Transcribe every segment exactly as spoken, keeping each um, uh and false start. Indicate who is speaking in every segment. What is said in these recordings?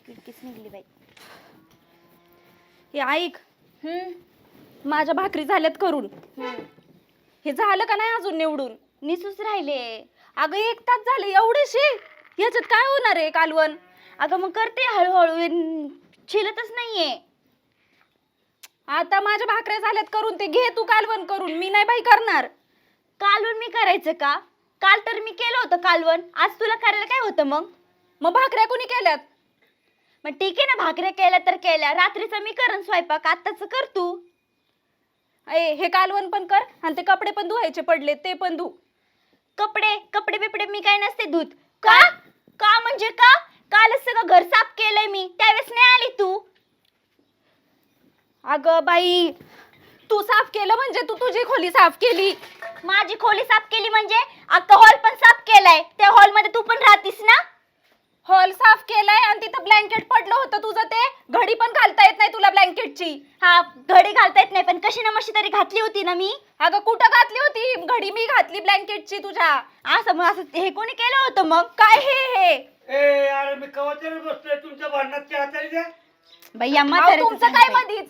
Speaker 1: किडकीच निघली बाई.
Speaker 2: हे ऐक,
Speaker 1: हम्म
Speaker 2: माझ्या भाकरी झाल्यात करून. हे झालं का नाही अजून निवडून?
Speaker 1: निसूच राहिले.
Speaker 2: अगं एक तास झाले एवढेशे, याच्यात काय होणार आहे कालवण?
Speaker 1: अगं मग करते हळूहळू, छिलतच नाहीये.
Speaker 2: आता माझ्या भाकऱ्या झाल्यात करून, ते घे तू कालवण करून, मी नाही बाई करणार.
Speaker 1: कालवण मी करायचं का? काल तर मी केलं होतं कालवण, आज तुला करायला काय होतं मग?
Speaker 2: मग भाकऱ्या कोणी केल्यात?
Speaker 1: मग ठीक आहे ना, भाकऱ्या केल्या तर केल्या, रात्रीचा मी करन स्वयंपाक, आत्ताच कर तू.
Speaker 2: ए हे कालवण पण कर आणि ते कपडे पण धुवायचे पडले ते पण धु.
Speaker 1: कपडे कपडे बिपडे मी काय नसते धुत. का का म्हणजे का? कालच सगळं घर साफ केलंय मी, त्यावेळेस नाही आली तू.
Speaker 2: अगं बाई, तू साफ केलं म्हणजे तू तुझी खोली साफ केली.
Speaker 1: माझी खोली साफ केली म्हणजे अख्खा हॉल पण साफ केलाय. त्या हॉल मध्ये तू पण राहतीस ना.
Speaker 2: हॉल साफ केलाय आणि तिथं ब्लँकेट पडलं होतं तुझं, ते घडी पण घालता येत नाही तुला ब्लँकेटची.
Speaker 1: हा, घडी घालता येत नाही पण कशी ना मशी तरी घातली होती ना मी.
Speaker 2: अगं कुठं घातली होती घडी? मी घातली ब्लँकेटची तुझ्या.
Speaker 1: असं मग असं हे कोणी केलं होतं मग?
Speaker 2: काय हे हे
Speaker 3: ए अरे मी कवाच्याने बसलोय तुमच्या भांडणात, चहा तरी द्या.
Speaker 1: बाई या
Speaker 2: अहो,
Speaker 1: म्हाताऱ्याचं
Speaker 2: तुमचं काय
Speaker 1: सांगते.
Speaker 2: मधीच?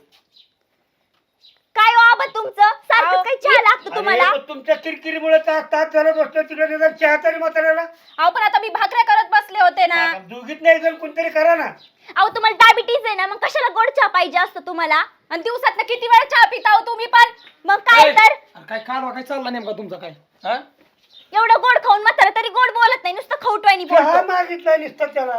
Speaker 1: काय हो आबा तुमचं
Speaker 2: अहो,
Speaker 1: सारखं काही चहा लागतो
Speaker 3: अरे,
Speaker 1: तुम्हाला?
Speaker 3: पण तुमच्या किरकिरीमुळे तास तास झालं बसलोय तिकडे, निदान चहा तरी म्हाताऱ्याला.
Speaker 2: अहो पण आता मी भाकऱ्या करत बसले होते ना.
Speaker 3: दोघीत नाही जण कोणतरी करा ना.
Speaker 1: अहो तुम्हाला डायबिटीज आहे ना, मग कशाला गोड चहा पाहिजे असतं तुम्हाला?
Speaker 2: आणि दिवसात किती वेळा चहा पिता हो तुम्ही पण?
Speaker 1: मग काय तर
Speaker 4: अरे काय कालवा काय चालला नेमका तुमचा काय? हा
Speaker 1: एवढं गोड खाऊन म्हातारा तरी गोड बोलत नाही, नुसतं खवटवानी
Speaker 3: चहा
Speaker 1: बोलतो.
Speaker 3: मागितलाय नुसतं त्याला.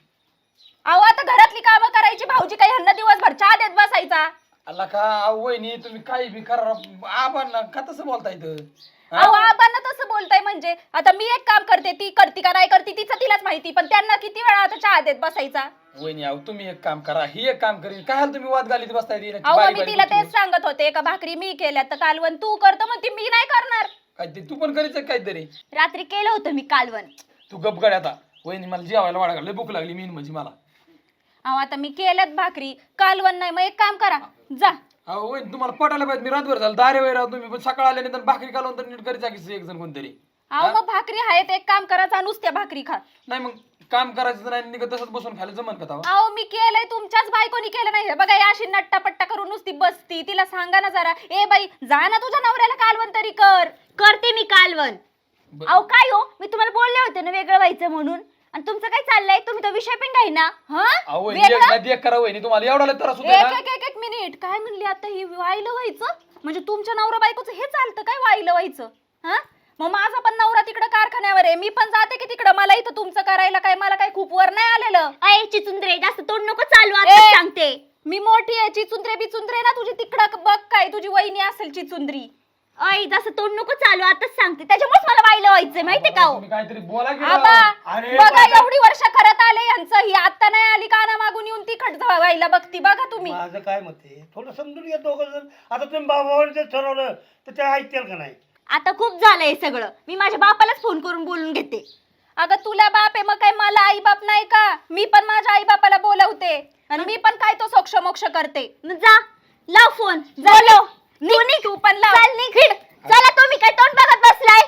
Speaker 2: अहो आता घरातली कामं करायची, भाऊजी काही ह्यांना दिवसभर चहा देत बसायचा.
Speaker 4: अल्ला का अहो वहिनी तुम्ही काही बी करा, आपण का तसं बोलता इथं? हा?
Speaker 2: अहो आपण तसं बोलताय म्हणजे आता मी एक काम करते, ती करती का नाही करती तिचं तिलाच माहिती, पण त्यांना किती वेळा आता चहा देत बसायचा.
Speaker 4: वहिनी अहो तुम्ही एक काम करा, ही एक काम करीन, काय हाल तुम्ही वाद घालीत बसताय ती
Speaker 2: अहो
Speaker 4: बारी
Speaker 2: मी
Speaker 4: बारी
Speaker 2: तिला
Speaker 4: गोष्टी?
Speaker 2: तेच सांगत होते का भाकरी मी केल्या तर कालवण तू करतो, म्हणते मी नाही करणार.
Speaker 4: काय ते तू पण करीच काहीतरी.
Speaker 1: रात्री केलं होतं मी कालवण.
Speaker 4: तू गप गड आता. वहिनी मला जेवायला वाढा लय भूक लागली मेन म्हणजे मला.
Speaker 2: अहो आता मी केल्यात भाकरी, कालवण नाही, मग एक काम करा, जा.
Speaker 4: अहो वहिनी तुम्हाला पटायला पाहिजे, मी रातभर झालं दारे वैरा तुम्ही पण सकाळ आले नाही भाकरी कालवून तर नीट करीचा की एक जण कोणतरी.
Speaker 2: अहो मग भाकरी आहेत, एक काम करायचा, नुसत्या भाकरी खा.
Speaker 4: नाही मग काम करायचं नाही, निघत तसंच बसून खायला जमन का तवा?
Speaker 2: अहो मी केलंय, तुमच्याच बायकोनी केलं नाही. हे बघा या अशी नट्टा पट्टा करून नुसती बसती, तिला सांगा ना जरा, ए बाई जा ना तुझ्या नवऱ्याला कालवण तरी कर.
Speaker 1: करते मी कालवण.
Speaker 4: ब-
Speaker 1: अहो काय हो, मी तुम्हाला बोलले होते ना वेगळं व्हायचं म्हणून, आणि तुमचं काय चाललंय? तुम्ही तो विषय पण काही ना.
Speaker 2: हा
Speaker 4: अहो वहिनी एक
Speaker 2: वेगळं?
Speaker 4: ना देख करा वहिनी, तुम्हाला एवढा लय त्रास होतोय
Speaker 2: एक
Speaker 4: ना.
Speaker 2: एक एक एक मिनिट, काय म्हणली आता ही? वाहिलं व्हायचं म्हणजे तुमच्या नवरा बायकोचं हे चालतं काय, वाहिलं व्हायचं? हा मग माझा पण नवरा तिकडं कारखान्यावर आहे, मी पण जाते की तिकडं, मला इथं तुमचं करायला काय मला काय खूप वर नाही आलेलं.
Speaker 1: अय चिचुंद्रे, जास्त तोंड नको चालू,
Speaker 2: ए!
Speaker 1: आता सांगते.
Speaker 2: मी मोठी आहे, चिचुंद्रे बिचुंद्रे ना तुझी तिकडं बघ, काय तुझी वहिनी असेल चिचुंद्री.
Speaker 1: अय जास्त तोंड नको चालू, आताच सांगते. त्याच्यामुळेच मला वाहिलं व्हायचंय माहितीये का हो?
Speaker 4: तुम्ही काहीतरी बोला की
Speaker 2: आबा
Speaker 4: राव.
Speaker 3: अरे
Speaker 2: बघा
Speaker 3: बाबा.
Speaker 2: एवढी वर्ष करत आले यांचं, ही आता नाही आली काना मागून येऊन ती खट व्हायला बघती. बघा तुम्ही.
Speaker 3: माझं काय मत आहे, थोडं समजून घ्या दोघं जण. आता तुम्ही बाबावर जर ठरवलं तर ते ऐकतील का नाही?
Speaker 1: आता खूप झालंय सगळं, मी माझ्या बापालाच फोन करून बोलून घेते.
Speaker 2: अगं तुला बाप आहे, मग काय मला आई बाप नाही का? मी पण माझ्या आई बापाला बोलवते आणि मी पण काय तो सोक्ष मोक्ष करते.
Speaker 1: मग जा लाव फोन,
Speaker 2: जा
Speaker 1: बोलव.
Speaker 2: निघ,
Speaker 1: निघ.
Speaker 2: तू पण लाव.
Speaker 1: चल निघ. चला तुम्ही काय तोंड बघत बसलाय?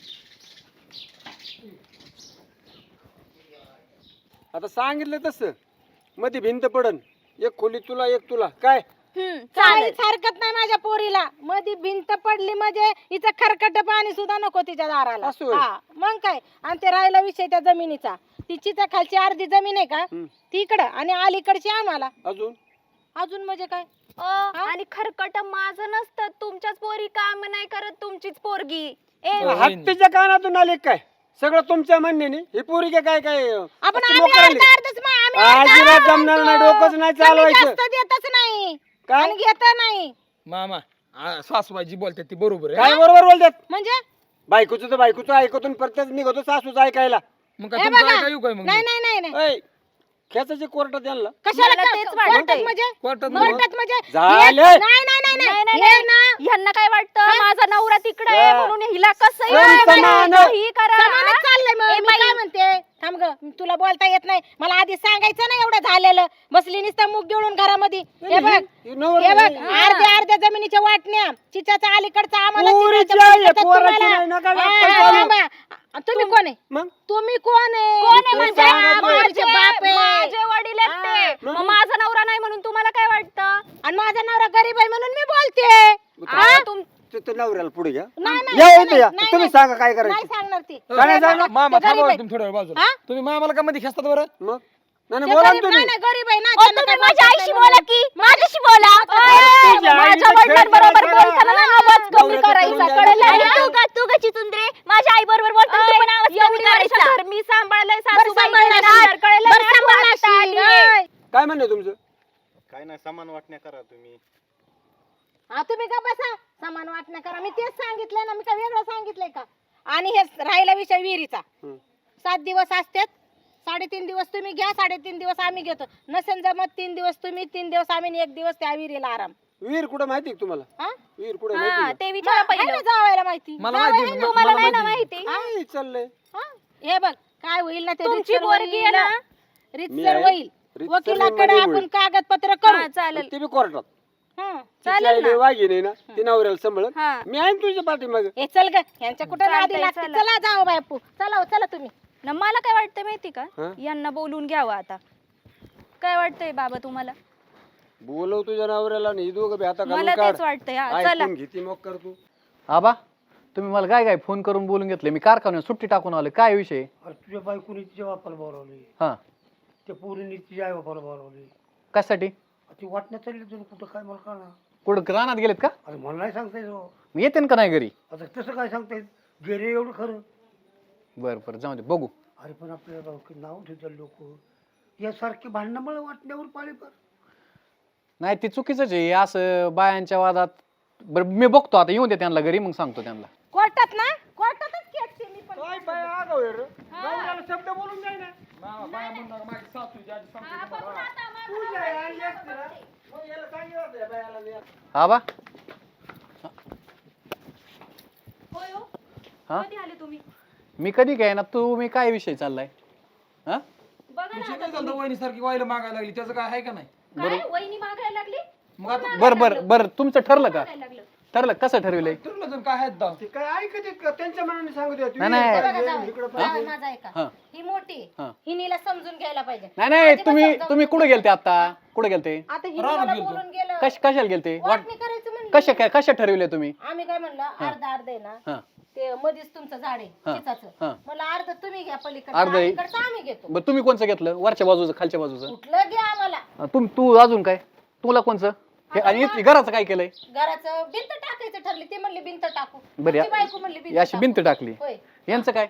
Speaker 5: आता सांगितलं तसं मध्ये भिंत पडन, एक खोली तुला एक तुला काय.
Speaker 1: हम्म
Speaker 6: चालेल
Speaker 1: चालेल.
Speaker 6: हरकत नाही माझ्या पोरीला. मध्ये भिंत पडली म्हणजे हिचं खरकट पाणी सुद्धा नको तिच्या दाराला.
Speaker 5: असं होय.
Speaker 6: हा मग काय. आणि ते राहिला विषय त्या जमिनीचा, तिची त्या खालची अर्धी जमीन आहे का
Speaker 5: हम्म.
Speaker 6: ती इकडं आणि अलीकडची आम्हाला.
Speaker 5: अजून
Speaker 6: अजून म्हणजे काय?
Speaker 2: अ, आणि खरकट माझं नसतं, तुमच्याच पोरी काम नाही करत, तुमचीच पोरगी.
Speaker 1: ए
Speaker 5: हत्तीच्या कानातून आले काय सगळं तुमच्या म्हणण्याने? ही पोरी काय काय काय
Speaker 6: आपण
Speaker 5: अशी
Speaker 6: आम्ही
Speaker 5: मोकळी आली?
Speaker 6: अर्धा अर्धच मा- आम्ही अर्धा
Speaker 5: अजिबात
Speaker 6: अर्धा
Speaker 5: जमणार नाही,
Speaker 6: म्हणतो.
Speaker 5: डोकंच नाही
Speaker 6: कमी
Speaker 5: चालवायचं.
Speaker 6: जास्त देतच नाही
Speaker 5: काय?
Speaker 6: आणि घेत नाही.
Speaker 4: मामा आ, सासूबाई जी बोलतात ती बरोबर आहे.
Speaker 5: काय बरोबर बोलतात?
Speaker 6: म्हणजे
Speaker 5: बायकोचं तर बायकोचं ऐकतून प्रत्येक निघतो सासूचं ऐकायला.
Speaker 4: मग काय
Speaker 6: हे
Speaker 4: तुमचं
Speaker 6: बघा.
Speaker 4: ऐका येऊ काय मग?
Speaker 6: नाही नाही नाही नाही
Speaker 5: ऐ, खेचायचे कोर्टात यांना.
Speaker 6: कशाला
Speaker 2: मला
Speaker 6: का-
Speaker 2: तेच वाटतंय.
Speaker 6: कोर्टात म्हणजे
Speaker 4: कोर्टात
Speaker 6: कोर्टात म्हणजे
Speaker 5: झालं.
Speaker 6: हे- नाही नाही नाही
Speaker 2: नाही,
Speaker 6: नाही
Speaker 2: नाही,
Speaker 6: हे ना
Speaker 2: ह्यांना काय वाटतं माझा नवरा तिकडे आहे
Speaker 5: हा.
Speaker 2: म्हणून हिला कसं
Speaker 5: सम समान.
Speaker 2: ही करा.
Speaker 6: समानच चाललंय मग.
Speaker 2: ए
Speaker 6: मी
Speaker 2: बाई.
Speaker 6: काय म्हणते, थांब ग, तुला बोलता येत नाही. मला आधी सांगायचं ना एवढं झालेलं. बसली नुसतं मुग गिळून घरामध्ये. हे बघ
Speaker 5: हे नवरा
Speaker 6: हे बघ
Speaker 5: नाही.
Speaker 6: अर्ध्या अर्ध्या जमिनीच्या वाटण्या, चिच्याचा अलीकडचा आम्हाला,
Speaker 5: पोरीची
Speaker 6: चिच्याच्या
Speaker 5: आहे,
Speaker 6: पलीकडचा
Speaker 5: पोराची
Speaker 6: तुम्हाला.
Speaker 5: नाही, नका
Speaker 6: हा,
Speaker 5: वाटतं
Speaker 6: हा,
Speaker 5: चालू.
Speaker 6: थांबा. तुम्ही कोण आहे?
Speaker 5: मग
Speaker 6: तुम्ही कोण आहे?
Speaker 2: कोण आहे
Speaker 6: तुम्ही
Speaker 2: म्हणजे?
Speaker 6: सांगा,
Speaker 2: माझे
Speaker 6: माझे बाप आहे.
Speaker 2: माझे वडील आहेत,
Speaker 5: तुमच्या नवऱ्याला पुढे घ्या
Speaker 6: नाही, नाही,
Speaker 5: या
Speaker 6: नाही,
Speaker 5: इथे या
Speaker 6: नाही,
Speaker 5: तुम्ही
Speaker 6: नाही.
Speaker 5: सांगा काय
Speaker 6: नाही
Speaker 5: करायचं
Speaker 6: सांगणार ती
Speaker 5: काय नाही सांगणार?
Speaker 4: मामा
Speaker 6: ते गरीब
Speaker 4: थांबा
Speaker 6: आहे.
Speaker 4: तुम्ही थोड्या वेळ बाजूला
Speaker 6: हा?
Speaker 4: तुम्ही मामाला का मध्ये खेचतात बरं
Speaker 5: मग नाही
Speaker 6: ते
Speaker 5: नाही, बोला ना
Speaker 6: गरीब-
Speaker 5: तुम्ही
Speaker 6: नाही, नाही, गरीब आहे ना
Speaker 1: ओ,
Speaker 6: त्यांना
Speaker 1: तुम्ही
Speaker 6: काय
Speaker 1: माझ्या
Speaker 6: बोलता
Speaker 1: आईशी
Speaker 6: नाही
Speaker 1: बोला
Speaker 6: म्हणून.
Speaker 1: की माझ्याशी बोला
Speaker 5: तुझ्या
Speaker 2: माझ्या
Speaker 5: आईने
Speaker 2: वडिलांबरोबर
Speaker 5: खेळ
Speaker 2: बोलताना ना आवाज कमी
Speaker 5: नवऱ्याचं
Speaker 2: करायचा
Speaker 5: करून
Speaker 2: कळलं
Speaker 5: द्यायचं.
Speaker 1: आणि
Speaker 2: ना?
Speaker 1: तू का तू का चितुंद्रे माझ्या आई बरोबर बोलताना तू पण आवाज कमी
Speaker 2: एवढी
Speaker 1: करायचा
Speaker 2: वर्ष तर मी सांभाळलंय
Speaker 6: बरं
Speaker 2: सासूबाई
Speaker 6: सांभाळणार
Speaker 2: गेल्या
Speaker 6: आहे.
Speaker 2: नंतर कळलं
Speaker 6: बरं
Speaker 2: ना, तू
Speaker 6: सांभाळणार
Speaker 2: आता
Speaker 6: आहे.
Speaker 2: आलीये.
Speaker 6: नाही.
Speaker 5: काय म्हणणं आहे तुमचं
Speaker 7: काय नाही समान वाटण्या करा तुम्ही.
Speaker 6: हा तुम्ही का बसा समान वाटणं करा मी तेच सांगितलंय ना मी काय वेगळं सांगितलंय का आणि हे राहिला विषय विहिरीचा
Speaker 5: हं.
Speaker 6: सात दिवस असतात साडेतीन दिवस तुम्ही घ्या साडेतीन दिवस आम्ही घेतो नसेल जमत तीन दिवस तुम्ही तीन दिवस आम्ही आणि एक दिवस त्या विहिरीला आराम
Speaker 5: विहीर कुठं माहिती आहे का तुम्हाला
Speaker 6: हा?
Speaker 5: विहीर कुठं
Speaker 2: हा,
Speaker 5: माहिती
Speaker 2: ते विचारा
Speaker 6: आहे
Speaker 2: पहिलं
Speaker 6: ना जावायला माहिती
Speaker 4: मला
Speaker 6: जावई
Speaker 4: माहिती
Speaker 6: आहे
Speaker 4: आहे,
Speaker 6: ना.
Speaker 2: तुम्हाला
Speaker 4: मला
Speaker 2: नाही ना
Speaker 4: माहिती
Speaker 2: माहिती
Speaker 5: काय चाललंय
Speaker 6: हा? हे बघ काय होईल ना ते
Speaker 2: तुमची
Speaker 6: रीतसर
Speaker 2: पोरगी आहे
Speaker 6: होईल.
Speaker 2: ना?
Speaker 5: मी
Speaker 6: रीतसर
Speaker 5: आहे.
Speaker 6: होईल
Speaker 5: रीतसर
Speaker 6: वकिलाकडे
Speaker 5: मध्ये
Speaker 6: आपण
Speaker 5: होईल.
Speaker 6: कागदपत्र करू
Speaker 2: हा, चालेल
Speaker 5: ते बी कोर्टात
Speaker 6: हं.
Speaker 2: चालेल ना
Speaker 5: वागी नाही ना ती नवऱ्याला सांभाळत
Speaker 2: हा
Speaker 5: मी आहे ना तुझ्या पाठीमागे
Speaker 6: हे चल ग यांच्या कुठं
Speaker 2: चालतंय,
Speaker 6: नादी लागते
Speaker 2: चला.
Speaker 6: चला जाऊ बापू चला हो, चला तुम्ही
Speaker 2: ना मला काय वाटतंय माहिती का
Speaker 5: हा?
Speaker 2: यांना बोलून घ्यावं आता काय वाटतंय बाबा तुम्हाला
Speaker 5: बोलव तुझ्या नवऱ्याला नाही दोघं बी आता
Speaker 2: मला
Speaker 5: घालून काढ
Speaker 2: तेच वाटतंय हा, चला
Speaker 5: ऐकून घेती मग कर तू
Speaker 8: आबा तुम्ही मला काय काय फोन करून बोलून घेतले मी कारखान्यात सुट्टी टाकून आलो काय विषय
Speaker 3: अरे तुझ्या बायकोनी तिच्या बापाला बोलावली
Speaker 8: हा
Speaker 3: त्या पोरीने तिच्या आई बापाला बोलावली
Speaker 8: कशासाठी
Speaker 3: ती वाटण्यात चालली तुम्ही कुठं काय मला कळणार
Speaker 8: कुठं रानात गेलेत का
Speaker 3: अरे मला नाही सांगता येत हो.
Speaker 8: मी येते का नाही घरी
Speaker 3: आता तसं काय सांगता येत गेले एवढं खरं
Speaker 8: बरं बरं जाऊ दे बघू
Speaker 3: अरे पण आपल्याला बाबा नाव ठेवतात लोक यासारखे भांडणं मला वाटण्यावर पाळी पर
Speaker 8: नाही ते चुकीचंच आहे असं बायांच्या वादात बरं मी बघतो आता येऊन दे त्यांना घरी मग सांगतो त्यांना
Speaker 6: कोर्टात ना कोर्टातच खेळते मी पण
Speaker 5: काय बाय आगाऊ आहे रे. नवऱ्याला शब्द बोलून जाय ना
Speaker 4: मामा बाया म्हणणार माझी सासू जी आजी सांगते तुम्हाला.
Speaker 5: तुझ्या आई असते ना, मग याला सांगितलं होतं या बायाला मी.
Speaker 8: आबा
Speaker 2: होय हो.
Speaker 8: हा?
Speaker 2: कधी आले तुम्ही
Speaker 8: मी कधी काय ना तू मी काय विषय चाललाय हा
Speaker 2: बघा ना
Speaker 4: विषय
Speaker 2: आता
Speaker 4: काय झालं
Speaker 2: तुम्ही.
Speaker 4: वहिनीसारखी वाईला मागायला लागली त्याचं काय आहे का नाही
Speaker 2: काय वहिनी मागायला लागली
Speaker 4: मग आता
Speaker 8: बरं बरं बरं तुमचं ठरलं का
Speaker 2: मागायला लागलं
Speaker 8: ठरलं कसं ठरविलंय
Speaker 4: ठरलं जण काय आहेत दाव
Speaker 5: ते काय ऐकत आहेत का त्यांच्या मनाने सांगू द्या
Speaker 8: नाही, नाही.
Speaker 6: बघा जावई,
Speaker 5: इकडं
Speaker 6: जावई माझा ऐका
Speaker 8: हा.
Speaker 6: ही मोठी
Speaker 8: हा.
Speaker 6: हिनीला समजून घ्यायला पाहिजे
Speaker 8: नाही नाही
Speaker 6: आजीबात
Speaker 8: तुम्ही
Speaker 6: समजावून
Speaker 8: तुम्ही कुठे गेलते आता कुठे गेलते
Speaker 6: आता हिनी
Speaker 4: रानात
Speaker 6: मला
Speaker 4: गेलतो.
Speaker 6: बोलून गेलं
Speaker 8: कश कशाला गेलते वाट
Speaker 6: वाटणी करायचं म्हणलं
Speaker 8: कशा काय कशा ठरविले तुम्ही
Speaker 6: आम्ही काय म्हणलं अर्ध अर्ध आहे ना
Speaker 8: हा
Speaker 6: ते मध्येच तुमचं झाड आहे
Speaker 8: हा.
Speaker 6: चिचाचं
Speaker 8: हा.
Speaker 6: मला अर्ध तुम्ही घ्या
Speaker 8: अर्ध आहे.
Speaker 6: पलीकडचं अलीकडचं आम्ही घेतो
Speaker 8: बरं तुम्ही कोणचं घेतलं वरच्या बाजूचं खालच्या बाजूचं
Speaker 6: कुठलं घ्या आम्हाला
Speaker 8: अं, तुम तू अजून काय तुला कोणचं हे आणि इथली घराचं काय केलंय
Speaker 6: घराचं भिंत टाकायचं ठरली ती म्हणली भिंत टाकू
Speaker 8: बरं,
Speaker 6: तुमची बायको म्हणली भिंत
Speaker 8: अशी
Speaker 6: टाकू.
Speaker 8: भिंत टाकली
Speaker 6: होय
Speaker 8: यांचं काय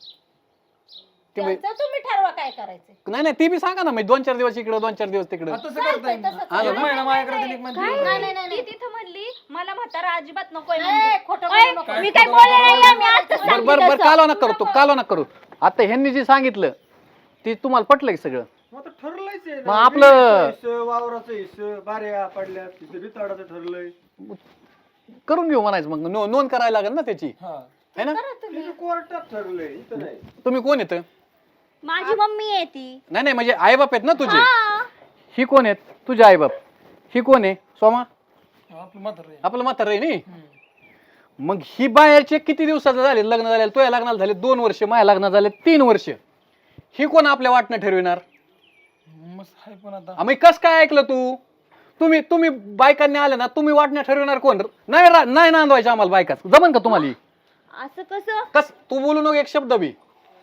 Speaker 8: ते बाई-
Speaker 6: त्यांचं तुम्ही ठरवा काय करायचं
Speaker 8: नाही नाही ती बी सांगा ना मी दोन चार दिवस इकडं दोन चार दिवस तिकडं
Speaker 4: आता तसं करता येईल
Speaker 6: तसंच
Speaker 8: आलं
Speaker 4: एक
Speaker 8: ना?
Speaker 4: महिना माझ्याकडे दिली, एक महिना
Speaker 2: काय
Speaker 4: तिकडे.
Speaker 6: नाही, नाही, नाही,
Speaker 2: ती तिथं म्हणली मला म्हातारा अजिबात नकोय
Speaker 6: ए,
Speaker 2: म्हणली.
Speaker 6: खोटं
Speaker 1: ओय,
Speaker 6: बोलू नको.
Speaker 1: मी काय बोलले नाही मी आता
Speaker 8: बरं बरं बरं कालो ना करू तू कालो ना करू आता ह्यांनी जे सांगितलं ते तुम्हाला पटलं की सगळं
Speaker 5: मग आता ठरलंयच आहे
Speaker 8: मग
Speaker 5: ना.
Speaker 8: आपलं-
Speaker 5: विहिरीचं हिस्सं, वावराचं हिस्सं बाऱ्या पडल्या तिथे बिताडाचं ठरलंय
Speaker 8: करून घेऊ म्हणायचं मग नो- नोंद करायला लागेल ना त्याची
Speaker 4: हा
Speaker 8: है ना
Speaker 5: तिथे कोर्टात ठरलंय इथं नाही
Speaker 8: तुम्ही कोण येतं
Speaker 1: माझी मम्मी आहे ती
Speaker 8: नाही नाही म्हणजे आईबाप आहेत ना तुझे
Speaker 1: हा.
Speaker 8: ही कोण आहेत तुझे आईबाप ही कोण आहे सोमा
Speaker 4: आपलं म्हातारं आहे.
Speaker 8: आपलं म्हातारं आहे नाही मग ही बाहेरचे किती दिवसाचं झाले लग्न झाले तुझ्या लग्नाला झाले दोन वर्ष माझ्या लग्नाला झाले तीन वर्ष ही कोण आपल्या वाटणं ठरविणार
Speaker 4: मस्त आहे पण आता
Speaker 8: आम्ही कस काय ऐकलं तू तुम्ही तुम्ही बायकांनी आले ना तुम्ही वाटणं ठरविणार कोण नाही रा- नाही नांदवायचं आम्हाला बायकाच जमन का तुम्हाला ही?
Speaker 1: असं कसं
Speaker 8: कस तू बोलू नको एक शब्द बी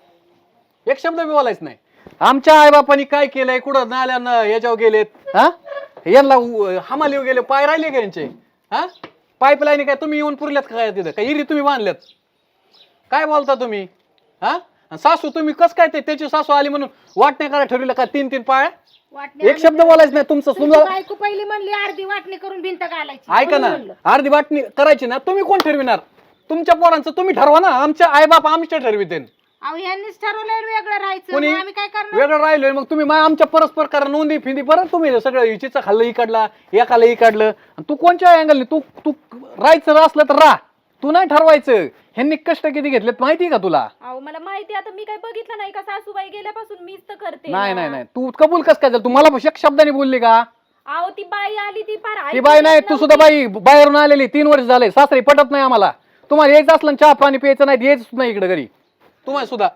Speaker 8: एक शब्द बी बोलायच नाही आमच्या आईबापांनी काय केलंय कुठं नाल्यानं याच्यावर गेलेत हा यांना उ- हमालीवर गेले पाय राहिले का यांचे हा पाईपलाईन काय तुम्ही येऊन पुरल्यात का काय तिथं काय इरी तुम्ही बांधल्यात काय बोलता तुम्ही हा आणि सासू तुम्ही कस काय ते त्याची सासू आली म्हणून वाटण्या करा ठरविलं का तीन तीन पाय
Speaker 6: वाटणी
Speaker 8: एक शब्द बोलायच नाही तुमचं
Speaker 6: तुमची
Speaker 8: समजा
Speaker 6: बायको पहिली म्हणली अर्धी वाटणी करून भिंत घालायची
Speaker 8: ऐका ना
Speaker 6: म्हणून म्हणलं.
Speaker 8: अर्धी वाटणी करायची ना तुम्ही कोण ठरविणार तुमच्या पोरांचं तुम्ही ठरवा ना आमच्या आईबाप आमच्या ठरविते
Speaker 6: अहो यांनीच ठरवलंय वेगळं राहायचं
Speaker 8: कोणी
Speaker 6: मग आम्ही काय करणार
Speaker 8: वेगळं राहिलोय मग तुम्ही मा- आमच्या परस्पर करा नोंदी फिंदी परत तुम्ही सगळं हिचीचं खाल्लं ही काढला एकाला ही काढलं आणि तू कोणच्या अँगलने तू तू राहायचं असलं तर राह तू नाही ठरवायचं ह्यांनी कष्ट किती घेतलेत माहिती का तुला
Speaker 2: अहो मला माहिती आता मी काय बघितलं नाही का सासूबाई गेल्यापासून मीच तर करते
Speaker 8: नाही
Speaker 2: ना.
Speaker 8: नाही नाही तू कबूल कस काय झालं तू मला एक शब्दाने बोलली का
Speaker 2: अहो ती बाई आली ती फार
Speaker 8: ती
Speaker 2: ऐकत
Speaker 8: बाई नाही तू
Speaker 2: नव्हती.
Speaker 8: सुद्धा बाई बाहेरून आलेली तीन वर्ष झाले सासरी पटत नाही आम्हाला तुम्हाला यायचं असलं ना चहा पाणी प्यायचं नाही यायच नाही इकडे घरी तुम्हाला सुद्धा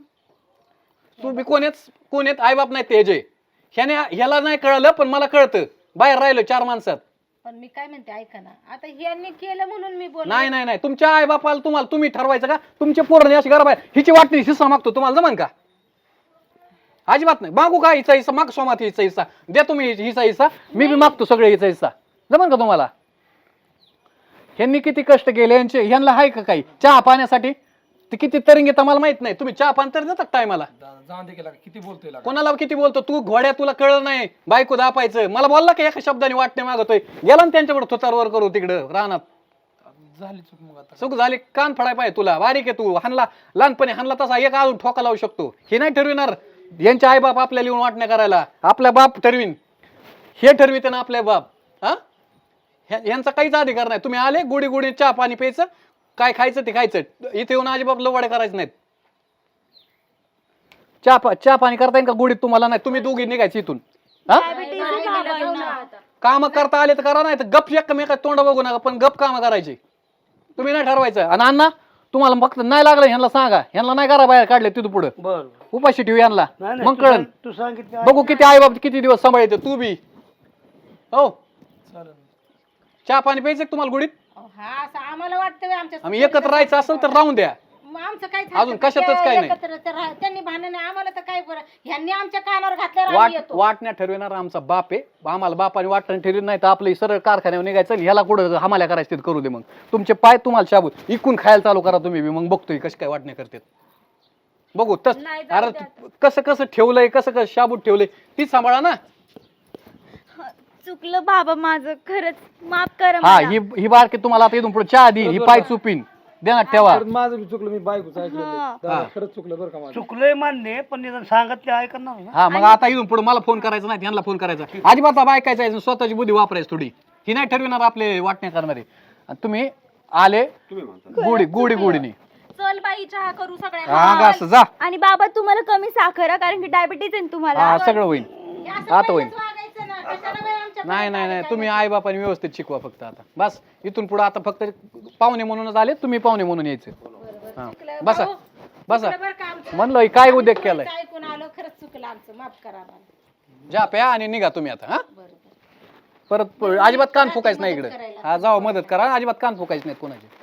Speaker 8: तू बी कोण आहेत कोण आहेत आईबाप नाही ते जे ह्याने ह्याला नाही कळलं पण मला कळतं बाहेर राहिलो चार माणसात
Speaker 6: पण मी काय म्हणते ऐका ना, आता यांनी केलं म्हणून मी बोल
Speaker 8: नाही नाही नाही तुमच्या आई बापाला तुम्हाला तुम्ही ठरवायचं का तुमचे पोरं अशी घरा बाहेर हिची वाटणी हिस्सा मागतो तुम्हाला जमन का अजिबात नाही मागू का हिचा हिस्सा माग सोमात हिचा हिस्सा द्या तुम्ही हिचा हिस्सा मी बी मागतो सगळे हिचा हिस्सा जमन का तुम्हाला ह्यांनी किती कष्ट केले यांचे ह्यांना आहे का काही चहा पाण्यासाठी ते किती तरी मला माहित नाही तुम्ही चहा पाणी तर देतात टायमाला
Speaker 4: जाऊन दे केला किती बोलतोय लागा.
Speaker 8: कोणाला किती बोलतो तू घोड्या तुला कळलं नाही बायको दापायचं मला बोलला का एका शब्दाने वाटणे मागतोय गेला ना त्यांच्याकडे थोतारवर करू तिकडं रानात
Speaker 4: झाली चूक मग आता
Speaker 8: चूक झाली कान फडाय पाहिजे तुला बारीक आहे तू हानला लहानपणी हानला तसा एक अजून ठोका लावू शकतो हे नाही ठरविणार यांचे आई बाप आपल्याला येऊन वाटण्या करायला आपला बाप ठरवीन हे ठरविते ना आपले बाप हा यांचा काहीच अधिकार नाही तुम्ही आले गोडी गोडी चहा पाणी प्यायचं काय खायचं ते खायचं इथे येऊन अजिबात लवाडे करायचे नाहीत चहा चहा पाणी करता येईल का गोडीत तुम्हाला नाही तुम्ही दोघी निघायची इथून हा काम करता आले तर करा नाही तर गप एकमेका तोंड बघू नका पण गप काम करायचे तुम्ही नाही ठरवायचं आणि अण्णा तुम्हाला फक्त नाही लागलं ह्यांना सांगा ह्यांना नाही करा बाहेर काढले तिथून पुढे
Speaker 3: बर
Speaker 8: उपाशी ठेवू यांना
Speaker 3: नाही
Speaker 8: मग कळन
Speaker 3: तू सांगितलं
Speaker 8: बघू किती आई बाप किती दिवस सांभाळते तू बी हो
Speaker 4: चालेल
Speaker 8: चहा पाणी प्यायचं का तुम्हाला गोडीत
Speaker 6: हा असं आम्हाला वाटतं बे आमच्या
Speaker 8: आम्ही एकत्र राहायचं असेल तर राहून द्या
Speaker 6: मग आमचं काय
Speaker 8: अजून कशातच काय नाही.
Speaker 6: एकत्र तर राह- त्यांनी भांडण नाही आम्हाला तर काय बरं ह्यांनी आमच्या कानावर घातल्यावर
Speaker 8: वाट
Speaker 6: आम्ही येतो
Speaker 8: वाटण्या ठरविणार आमचा बाप आहे आम्हाला बापाने वाटणं ठरवित नाही तर आपलं सरळ कारखान्यावर निघायचं ह्याला कुठं हमाल्या करायचं ते करू दे मग तुमचे पाय तुम्हाला शाबूत इकून खायला चालू करा तुम्ही बी, मग बघतोय कशी काय वाटण्या करतात बघू तस
Speaker 2: नाही, जाऊ
Speaker 8: अरे
Speaker 2: द्या
Speaker 8: कसं कसं ठेवलंय कसं कसं शाबूत ठेवलंय तीच सांभाळा ना
Speaker 1: चुकलं बाबा माझं खरंच माफ करा
Speaker 8: हा
Speaker 1: मला.
Speaker 8: ही ही बारकी तुम्हाला आता इथून पुढे चहा दी ही पाय चुपीन देणार ठेवा
Speaker 4: परत माझं बी चुकलं मी बायकोच ऐकलं
Speaker 1: हा.
Speaker 4: दादा, खरंच चुकलं बरं का माझं
Speaker 3: चुकलंय मान्य पण निदान सांगत ते ऐकणार ना
Speaker 8: हा मग आता इथून पुढे मला फोन करायचा नाही यांना फोन करायचा अजिबात बायकायचा आहे, स्वतःची बुद्धी वापरायची थोडी ही नाही ठरविणार आपले वाटणे करणारे आणि तुम्ही आले गोडी गोडी गोडीने
Speaker 2: चल बाई चहा करू सगळ्यांना
Speaker 8: हा गा असं जा
Speaker 1: आणि बाबा तुम्हाला कमी साखर आहे, कारण की डायबिटीज आहे ना तुम्हाला
Speaker 8: हा सगळं होईल
Speaker 6: हे असं
Speaker 8: आता होईल
Speaker 6: पहिलंच वागायचं ना कशाला बाई आमच्या
Speaker 8: नाही नाही नाही तुम्ही आई बापाने व्यवस्थित शिकवा फक्त आता बस इथून पुढे आता फक्त पाहुणे म्हणूनच आले तुम्ही पाहुणे म्हणून यायचे हा बसा बसा
Speaker 6: बरं का आमचं
Speaker 8: म्हणलं हे काय उद्योग केलाय
Speaker 6: ऐकून आलो खरंच चुकलं आमचं माफ करा आम्हाला
Speaker 8: जा प्या आणि निघा तुम्ही आता हा परत प- अजिबात कान फुकायचं नाही इकडे हा जावा मदत करा अजिबात कान फुकायचं नाही कोणाचे